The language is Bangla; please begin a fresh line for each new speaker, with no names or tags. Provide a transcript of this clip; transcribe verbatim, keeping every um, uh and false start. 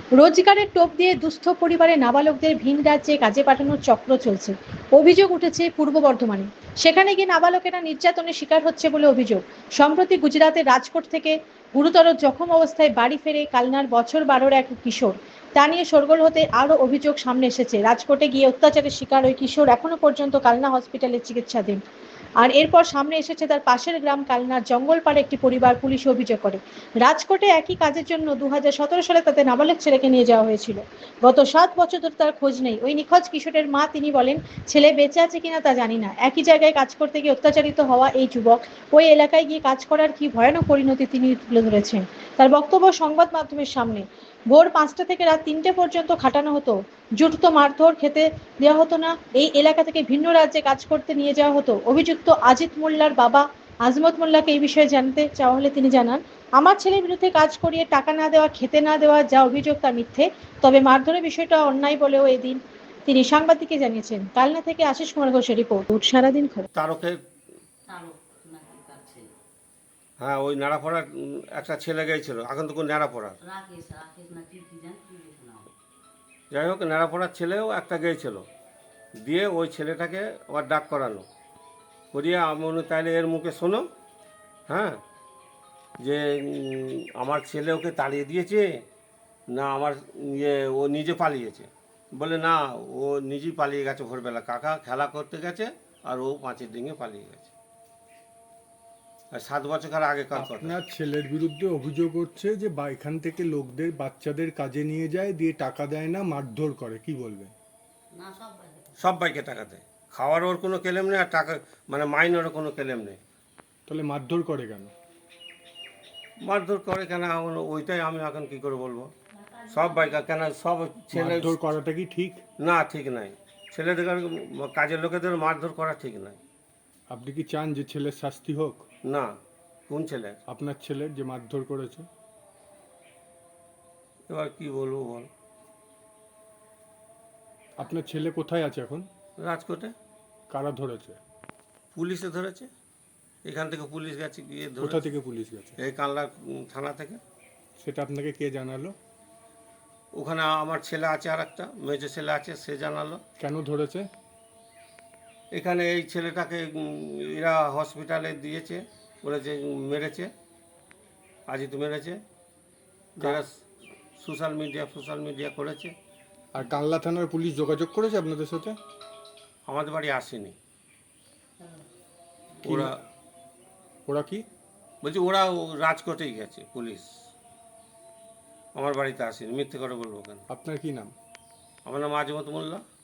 রোজগারের টোপ দিয়ে দুস্থ পরিবারে নাবালকদের ভিন রাজ্যে কাজে পাঠানোর চক্র চলছে। অভিযোগ উঠেছে পূর্ব বর্ধমানে। সেখানে গিয়ে নাবালকেরা নির্যাতনের শিকার হচ্ছে বলে অভিযোগ। সম্প্রতি গুজরাতের রাজকোট থেকে গুরুতর জখম অবস্থায় বাড়ি ফেরে কালনার বছর বারোর এক কিশোর। তা নিয়ে শোরগোল হতে আরও অভিযোগ সামনে এসেছে। রাজকোটে গিয়ে অত্যাচারের শিকার ওই কিশোর এখনো পর্যন্ত কালনা হসপিটালে চিকিৎসাধীন। আর এরপর সামনে এসেছে তার পাশের গ্রাম কালনার জঙ্গলপাড়ে একটি পরিবার পুলিশে অভিযোগ করে রাজকোটে একই কাজের জন্য দু হাজার সতেরো সালে তাদের নাবালক ছেলেকে নিয়ে যাওয়া হয়েছিল। গত সাত বছর ধরে তার খোঁজ নেই। ওই নিখোঁজ কিশোরের মা তিনি বলেন, ছেলে বেঁচে আছে কিনা তা জানি না। একই জায়গায় কাজ করতে গিয়ে অত্যাচারিত হওয়া এই যুবক ওই এলাকায় গিয়ে কাজ করার কি ভয়ানক পরিণতি তিনি তুলে ধরেছেন। তার বক্তব্য সংবাদ মাধ্যমের সামনে, ভোর পাঁচটা থেকে রাত তিনটে পর্যন্ত খাটানো হতো, জুটতো মারধর, খেতে দেওয়া হতো না। এই এলাকা থেকে ভিন্ন রাজ্যে কাজ করতে নিয়ে যাওয়া হতো। অভিযুক্ত আজিত মোল্লার বাবা আজমত মোল্লাকে এই বিষয়ে জানতে চাওয়া হলে তিনি জানান, আমার ছেলের বিরুদ্ধে কাজ করিয়ে টাকা না দেওয়া, খেতে না দেওয়া যা অভিযোগ তা মিথ্যে। তবে মারধরের বিষয়টা অন্যায় বলেও এদিন তিনি সাংবাদিককে জানিয়েছেন। কালনা থেকে আশিস কুমার ঘোষের রিপোর্ট, সারাদিন খবর।
তারকের হ্যাঁ, ওই নাড়াপড়ার একটা ছেলে গিয়েছিল, এখন তো কোন নাড়াপড়ার যাই হোক, নাড়াপড়ার ছেলেও একটা গিয়েছিল, দিয়ে ওই ছেলেটাকে আবার ডাক করানো করিয়ে আমি তাইলে এর মুখে শোনো, হ্যাঁ, যে উম, আমার ছেলে ওকে তাড়িয়ে দিয়েছে না আমার ইয়ে ও নিজে পালিয়েছে। বলে না, ও নিজেই পালিয়ে গেছে, ভোরবেলা কাকা খেলা করতে গেছে আর ও পাঁচের ডিঙে পালিয়ে গেছে। আর সাত বছর আগে কাজ কথা।
আপনার ছেলের বিরুদ্ধে অভিযোগ হচ্ছে যে বা এখান থেকে লোকদের বাচ্চাদের কাজে নিয়ে যায়, দিয়ে টাকা দেয় না, মারধর করে, কি বলবেন?
সব বাইকে টাকা দেয়, খাওয়ার ওর কোনো কেলেম নেই, আর টাকা মানে মাইনেরও কোনো কেলেম নেই।
তাহলে মারধর করে কেন?
মারধর করে কেন এখন ওইটাই আমি এখন কি করে বলবো। সব বাইকার কেন, সব ছেলে
মারধর করাটা কি ঠিক?
না, ঠিক নাই। ছেলেদের কাজের লোকেদের মারধর করা ঠিক নাই।
আপনি কি চান যে ছেলের শাস্তি হোক?
না। কোন ছেলে?
আপনার ছেলের যে মারধর করেছে।
এবার কি বলবো বল।
আপনার ছেলে কোথায় আছে এখন?
রাজকোটে।
কারা ধরেছে?
পুলিশে ধরেছে, এখান থেকে পুলিশ গেছে গিয়ে ধরে।
কোথা থেকে পুলিশ গেছে?
এই কানলা থানা থেকে।
সেটা আপনাকে কে জানালো?
ওখানে আমার ছেলে আছে, আর একটা মেজো ছেলে আছে, সে জানালো।
কেন ধরেছে?
এখানে এই ছেলেটাকে এরা হসপিটালে দিয়েছে, বলেছে মেরেছে, আজই তো মেরেছে, যারা সোশ্যাল মিডিয়া সোশ্যাল মিডিয়া করেছে।
আর কানলা থানার পুলিশ যোগাযোগ করেছে আপনাদের সাথে?
আমাদের বাড়ি আসেনি
কি
ওরা।
ওরা কি
বলছি ওরা রাজকোটেই গেছে পুলিশ, আমার বাড়িতে আসেনি। মিথ্যে করে বলবো কেন?
আপনার কি নাম?
আমার নাম আজমত মোল্লা।